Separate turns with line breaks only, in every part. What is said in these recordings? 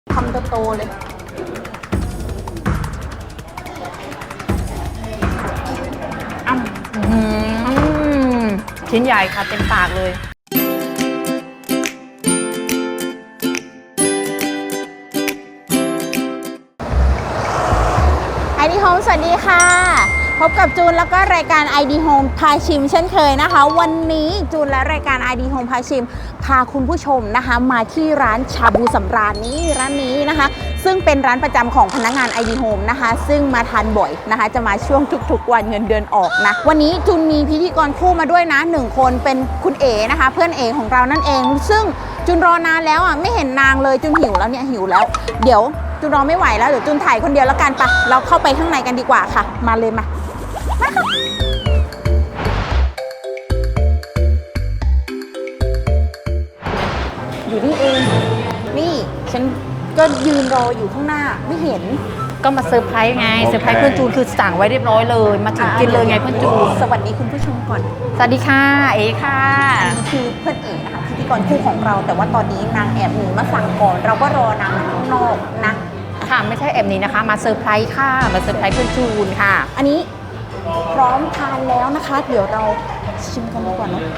คำโตๆเลย
ชิ้นใหญ่ค่ะเต็มปากเลย
ID Home สวัสดีค่ะพบกับจูนแล้วก็รายการ ID Home พาชิมเช่นเคยนะคะวันนี้จูนและรายการ ID Home พาชิมพาคุณผู้ชมนะคะมาที่ร้านชาบูสำราญร้านนี้นะคะซึ่งเป็นร้านประจำของพนักงาน ID Home นะคะซึ่งมาทานบ่อยนะคะจะมาช่วงทุกๆวันเงินเดือนออกนะวันนี้จูนมีพิธีกรคู่มาด้วยนะ1คนเป็นคุณเอ๋นะคะเพื่อนเอ๋ของเรานั่นเองซึ่งจูนรอนานแล้วอ่ะไม่เห็นนางเลยจูนหิวแล้วเนี่ยหิวแล้วเดี๋ยวจูนรอไม่ไหวแล้วเดี๋ยวจูนถ่ายคนเดียวแล้วกันปะเราเข้าไปข้างในกันดีกว่าค่ะมาเลยมาค่ะอยู่นี่เองนี่ฉันก็ยืนรออยู่ข้างหน้าไม่เห็น
ก็มาเซอร์ไพรส์ไงเซอร์ไพรส์เพื่อนจูนคือสั่งไว้เรียบร้อยเลยมาถึงกินเลยไงเพื่อนจูน
สวัสดีคุณผู้ชมก่อน
สวัสดีค่ะเอ๋ค่ะ
คือเพื่อนเอ๋นะคะพิธีกรคู่ของเราแต่ว่าตอนนี้นางแอบหนีมาสั่งก่อนเราก็รอนางข้างนอกนะ
ค่ะไม่ใช่แอบนี้นะคะมาเซอร์ไพรส์ค่ะมาเซอร์ไพรส์เพื่อนจูนค่ะ
อันนี้พร้อมทานแล้วนะคะเดี๋ยวเราชิมกันดีกว่าเนาะ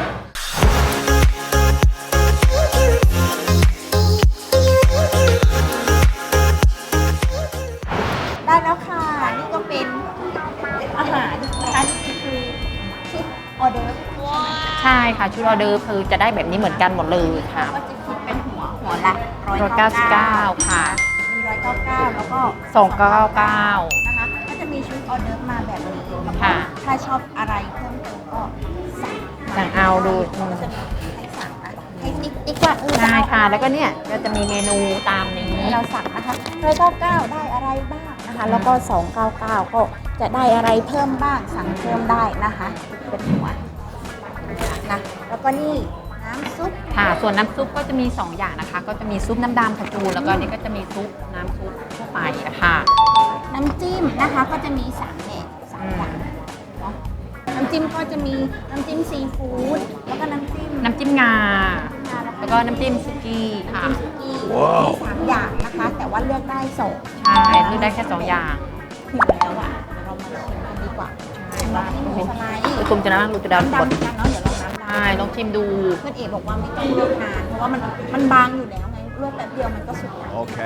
ได้แล้วค่ะนี่ก็เป็นอาหารนะคะนี่คือชุดออเดอร์
ใช่ค่ะชุดออเดอร์คือจะได้แบบนี้เหมือนกันหมดเลยค่ะ
ก็จะคิดเป็นหัวละ
199ค่ะ
มี199แล้วก็
299
นะคะก็จะมีชุดออเดอร์มาแบบนี้แล้วก็ถ้าชอบอะไรเพิ่มเติมก็
สั่งเอาดู
จะมีให้สั่งนะให้ติ๊กว่า
ใช่ค่ะแล้วก็เนี่ยก็จะมีเมนูตามนี้
เราสั่งนะคะ199ได้อะไรบ้างนะคะแล้วก็299ก็จะได้อะไรเพิ่มบ้างสั่งเพิ่มได้นะคะเป็นหัวนะแล้วก็นี่น้ำซุป
ค่ะส่วนน้ำซุปก็จะมี2อย่างนะคะก็จะมีซุปน้ำดำค่ะจูนแล้วก็นี่ก็จะมีซุปน้ำซุปทั่วไปค่ะ
น้ำจิ้มนะคะก็จะมี3อย่างเนาะน้ำจิ้มก็จะมีน้ำจิ้มซีฟู้ดแล้วก็น้ำจิ้ม
งาแล้วก็น้ำจิ้มสุกี้ค่ะ
3อย่างนะคะแต่ว่าเลือกได้2
ใช่เลือกได้แค่2อย่าง
หิวแล้วอ่ะเดี๋ยวเรามาชิมกันดีกว่าว่าหมูสไลด์
คุณจะนั่งดูจะดำ
ดำกันเนาะเดี๋ยวเรา
ใช่ลองชิมดู
เพื่อนเอ๋บอกว่าไม่ต้องลวกนานเพราะว่ามันบางอยู่แล้วไงลวกแป๊บเดียวมันก็สุกแล้ว
โอเค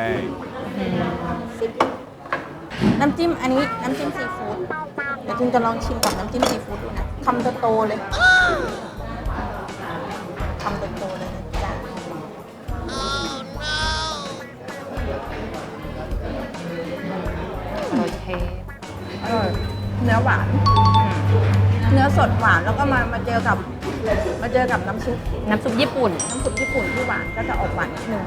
น้ำจิ้มอันนี้น้ำจิ้มซีฟู้ดเดี๋ยวจินจะลองชิมกับน้ำจิ้มซีฟู้ดดูนะคำโตๆเลยคำโตๆเลยจ้ะ
โอเค
อร่อยเนื้อหวานเนื้อสดหวานแล้วก็มาเจอกับน้ำซุป
ญี่ปุ่น
ที่หวานก็จะออกหวานนิดนึง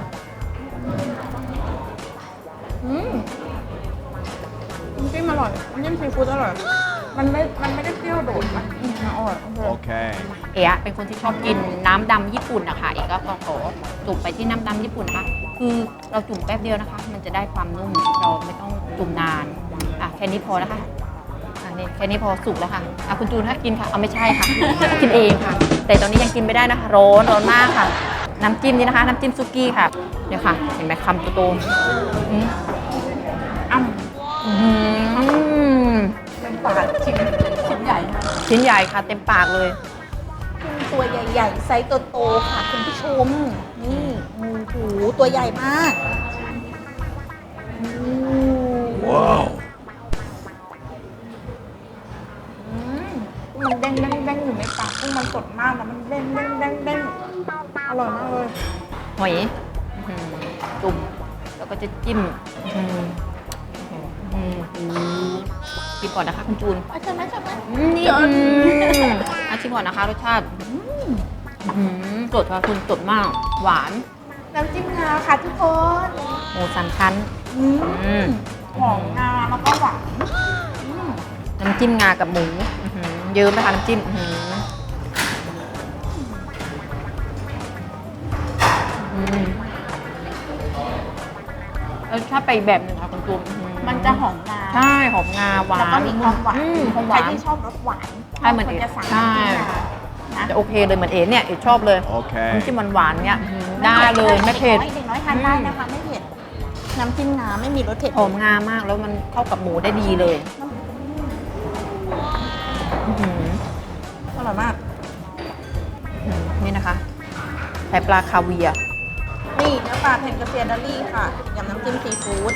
น้ำจิ้มอร่อยน้ำจิ้มซีฟู้ดอร่อยมันไม่ได้เปรี้ยวโดดนะอร่อย
โอเค
เอ๋เป็นคนที่ชอบกินน้ำดำญี่ปุ่นนะคะเอ๋ก็ขอจุ่มไปที่น้ำดำญี่ปุ่นนะคะคือเราจุ่มแป๊บเดียวนะคะมันจะได้ความนุ่มเราไม่ต้องจุ่มนานแค่นี้พอนะคะนี่แค่นี้พอสุกแล้วค่ะคุณจูนถ้ากินค่ะเอาไม่ใช่ค่ะกินเองค่ะแต่ตอนนี้ยังกินไม่ได้นะคะร้อนมากค่ะน้ำจิ้มนี่นะคะน้ำจิ้มซุกี้ค่ะเดี๋ยวค่ะเห็นไหมคำโต
เต็มปากชิ้นใหญ่
ค่ะเต็มปากเลย
ตัวใหญ่ๆไซส์โตๆค่ะคุณผู้ชมนี่โอ้โหตัวใหญ่มาก
ว้าว
มันเด้งอยู่ในปากกุ้งมันสดมากนะมันเด้งอร่อยมากเลย
หอยจุ่มแล้วก็จะจิ้มชิมก่อนนะคะคุณจูน
ใช่ไหม
นี่ชิมก่อนนะคะรสชาติสดค่ะคุณสดมากหวาน
น้ำจิ้มงาค่ะทุกคน
หมู3 ชั้น
หอมงาแล้วก็หวาน
น้ำจิ้มงากับหมูเยิ้มนะคะน้ำจิ้มรสชาติไปแบบนึงค่ะคุณจูน
มันจะหอมงา
ใช่หอมงาหวาน
แล้วก็มีความหวานใครที่ชอบรสหวาน
ใช่เหมือนเอ๋ใช่จะโอเคเลยเหมือนเอ๋เนี่ยเอ๋ชอบเลยน้ำจิ้มหวานเนี่ยได้เลยไม่เผ็ด
เด็กน้อยทานได้นะคะไม่เผ็ดน้ำจิ้มงาไม่มีรสเผ็ด
หอมงามากแล้วมันเข้ากับหมูได้ดีเลยอื้อหือ
อร่อยมาก
นี่นะคะไข่ปลาคาเวียร์
นี่เนื้อปลาเทนกระเซียนดอลลี่ค่ะยำน้ำจิ้มซีฟู้ด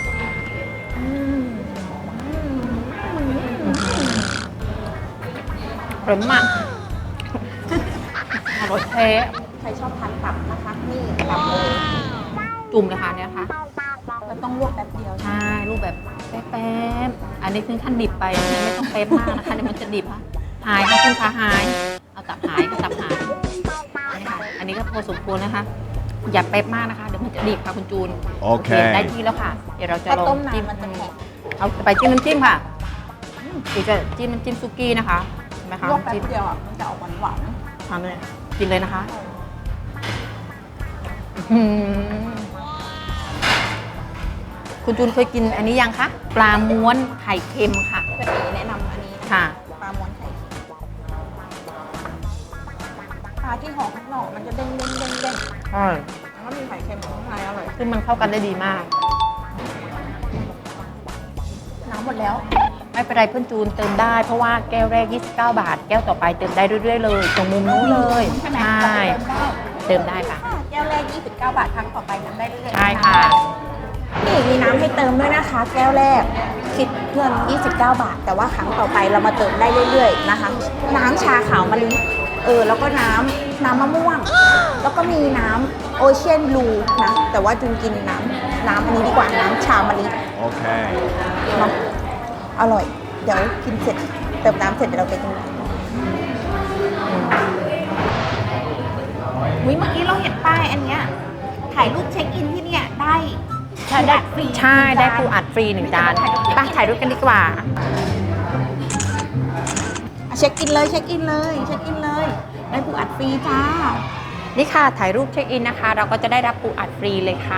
อร่อยมากอร่อยแท้
ใครชอบทานตับนะคะ นี่ตับเลย
จุ่มเลยค่ะเนี่ยค่ะ
มันต้องลวกแป๊บเดียว
ใช่รูปแบบแป๊บๆอันนี้ถึงขั้นดิบไปอันนี้ไม่ต้องเป๊ะมากนะคะเดี๋ยวมันจะดิบค่ะหายค่ะคุณคะหายเอาตับหายค่ะตับหายนี่ค่ะอันนี้ก็พอสมควรนะคะ อย่าเป๊ะมากนะคะเดี๋ยวมันจะดิบค่ะคุณจูน
โอเค
ได้ที่แล้วค่ะ เดี๋ยวเราจะ
ถ้า
ลอ
ต้
ง
ม
จิ้ม
นานมันจะแข็ง
เอาไปจิ้มน้ำจิ้มค่ะเดี๋ยวจะจิ้มน้ำจิ้มซุกี้นะคะเห็นไหมคะ
ลวกแป๊
จิ้ม
บเดียวอ่ะมันจะออกหวาน
ทานเลยกินเลยนะคะอื้อหือคุณจูนเคยกินอันนี้ยังคะปลาม้วนไข่เค็มค่ะ
ๆเป็นเอแนะนำอันนี้
ค่ะ
ปลาม้วนไข่เค็มปลาที่ห่อข้างนอกมันจะเด้งเด้งเด้งเด้ง
ใช่
แล้วก็มีไข่เค็มข้างในอร่อย
ซึ่งมันเข้ากันได้ดีมาก
น้ำหมดแล้ว
ไม่เป็นไรเพื่อนจูนเติมได้เพราะว่าแก้วแรก 29 บาท แก้วต่อไปเติมได้เรื่อยๆเลยตรงมุมนู้นเลย
ใช่ไหม
ใช่เติมได้ค่ะ
แก้วแรก 29 บาทครั้งต่อไปทำได้เรื่อยๆ
ใช่ค่ะ
นี่มีน้ำให้เติมด้วยนะคะ แก้วแรกคิดเงิน29 บาท แต่ว่าครั้งต่อไปเรามาเติมได้เรื่อยๆนะคะ น้ำชาขาวมะลิแล้วก็น้ำมะม่วง แล้วก็มีน้ำโอเชียนบลูนะแต่ว่าจุนกินน้ำอันนี้ดีกว่าน้ำชามะลิ
Okay.
เนาะอร่อย เดี๋ยวกินเสร็จเติมน้ำเสร็จเดี๋ยวเราไปกินเมื่อกี้เราเห็นป้ายอันเนี้ยถ่ายรูปเช็คอินที่เนี่ยได้
ใช่ได้ฟรีใช่ได้ปูอัดฟรี1 จานไปถ่ายรูปกันดีกว่า
เช็คอินเลยเช็คอินเลยเช็คอินเลยได้ปูอัดฟรีจ้า
นี่ค่ะถ่ายรูปเช็คอินนะคะ เราก็จะได้รับปูอัดฟรีเลยค่ะ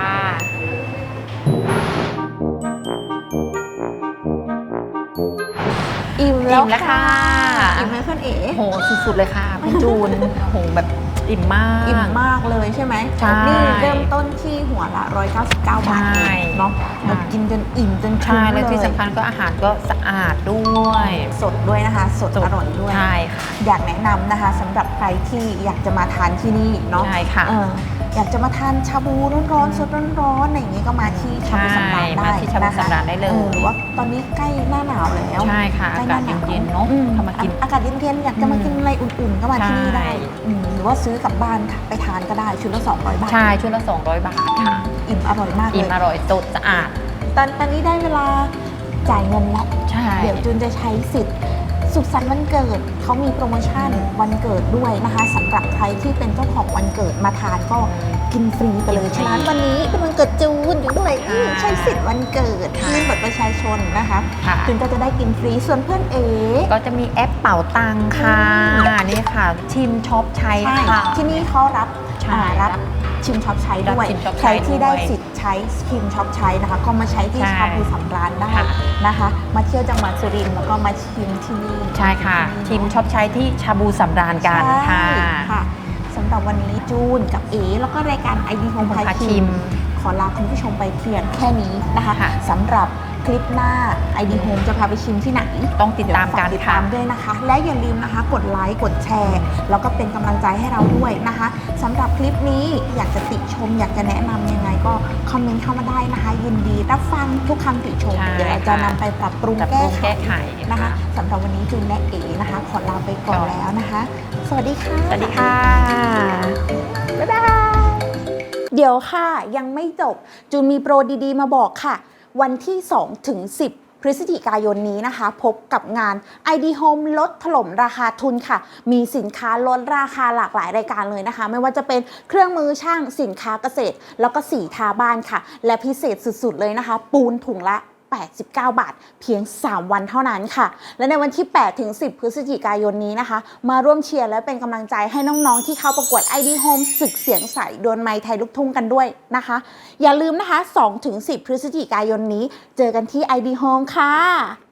อิ่มแล้ว
อิ่มแล้วค่ะ
อิ่มไหมเพื่อนเอ๋
โหสุดๆเลยค่ะคุณจูนโหแบบอิ่มมาก
อิ่มมากเลยใช่ไหม
ใช่
นี่เริ่มต้นที่หัวละ199 บาท
ใช่
เองเนาะ
ใช่
เรากินจนอิ่มจน
ใช่
คุ้ม
และที่
เลย
สำคัญก็อาหารก็สะอาดด้วย
สดด้วยนะคะ สดอร่อยด้วย
ใช่ค่ะ
อยากแนะนำนะคะสำหรับใครที่อยากจะมาทานที่นี่เนาะ
ใช่ค่ะ
อยากจะมาทานชาบูร้อนๆสดร้อนๆอะไรอย่างนี้ก็มาที่ชาบูสำราญได้
มาที่ชาบูสำราญได้เลย
หรือว่าตอนนี้ใกล้หน้าหนาวแล้ว
ใช่ค่ะ
ใกล้
อากาศเย็นๆเนาะ
อืม
เข้ามากิน
อากาศเย็นๆอยากจะมากินอะไรอุ่นๆก็มาที่นี่ได้
ใช่
หรือว่าซื้อกลับบ้านค่ะไปทานก็ได้ชุดละ200 บาท
ใช่ชุดละ200 บาทค่ะ
อิ่มอร่อยมากเล
อิ่ม
ย
อร่อยสดสะอาด
ตอนนี้ได้เวลาจ่ายเงินแล้ว
ใช่
เดี๋ยวจูนจะใช้สิทธิ์สุขสันต์วันเกิดเขามีโปรโมชั่นวันเกิดด้วยนะคะสำหรับใครที่เป็นเจ้าของวันเกิดมาทานก็กินฟรีไปเลยฉะนั้นวันนี้เป็นวันเกิดจูนอยู่ด้วยใช้สิทธิ์วันเกิดยื่นบัตรประชาชนนะคะ
ค่ะ
จูนก็จะได้กินฟรีส่วนเพื่อนเอ๋
ก็จะมีแอปเป๋าตังค่ะนี่ค่ะ ชิมช็อปใช้
ใช่
ค่ะ
ที่นี่เขารับ
ใช่
รับชิมช็อปใช้ด้วย
รับชิมช็อป
ใค
ใช้
รที่ได้
ด้วย
สิทธิ์ใช้ชิมช็อปใช้นะคะ ก็มาใช้ที่
ใช่
ชาบูสำราญได้
ค่ะ
นะคะ มาเที่ยวจังหวัดสุรินทร์แล้วก็มาชิมที่นี่
ใช่ค่ะ ชิมช็อปใช้ที่ชาบูสำราญกันค่ะ
ใช่ค่ะสำหรับวันนี้จูนกับเอแล้วก็รายการ ID Home พา
พาชิ
ชิม
ม
ขอลาคุณผู้ชมไปเพียงแค่นี้นะคะ
ค่ะ
สำหรับคลิปหน้า ID Home จะพาไปชิมที่ไหน
ต้องติดตามกัน
เดี๋ยวฝติด
ค่ะ
ตามด้วยนะคะ และอย่าลืมนะคะ กดไลค์กดแชร์ แล้วก็เป็นกำลังใจให้เราด้วยนะคะสำหรับคลิปนี้อยากจะติชม อยากจะแนะนำยังไงก็คอมเมนต์เข้ามาได้นะคะ ยินดีรับฟังทุกคำติชม
ใช่
เดี๋ยวเราจะ
ค่ะ
นำไปปรับปรุง
ปรับป
แก้
รุง
ไข
แก้ไข
นะคะสำหรับวันนี้จูนและเอนะคะ ขอลาไปก่อนแล้วนะคะ สวัสดีค่ะ
สวัสดีค่ะ
บ๊ายบายเดี๋ยวค่ะยังไม่จบจูนมีโปรดีๆมาบอกค่ะ วันที่2ถึง10 พฤศจิกายนนี้นะคะ พบกับงาน ID Home ลดถล่มราคาทุนค่ะ มีสินค้าลดราคาหลากหลายรายการเลยนะคะ ไม่ว่าจะเป็นเครื่องมือช่างสินค้าเกษตร แล้วก็สีทาบ้านค่ะ และพิเศษสุดๆเลยนะคะ ปูนถุงละ 89 บาท เพียง 3 วันเท่านั้นค่ะ และในวันที่ 8 ถึง 10 พฤศจิกายนนี้นะคะ มาร่วมเชียร์และเป็นกำลังใจให้น้องๆ ที่เข้าประกวด ID Home ศึกเสียงใสดวลไมค์ไทยลูกทุ่งกันด้วยนะคะ อย่าลืมนะคะ 2 ถึง 10 พฤศจิกายนนี้ เจอกันที่ ID Home ค่ะ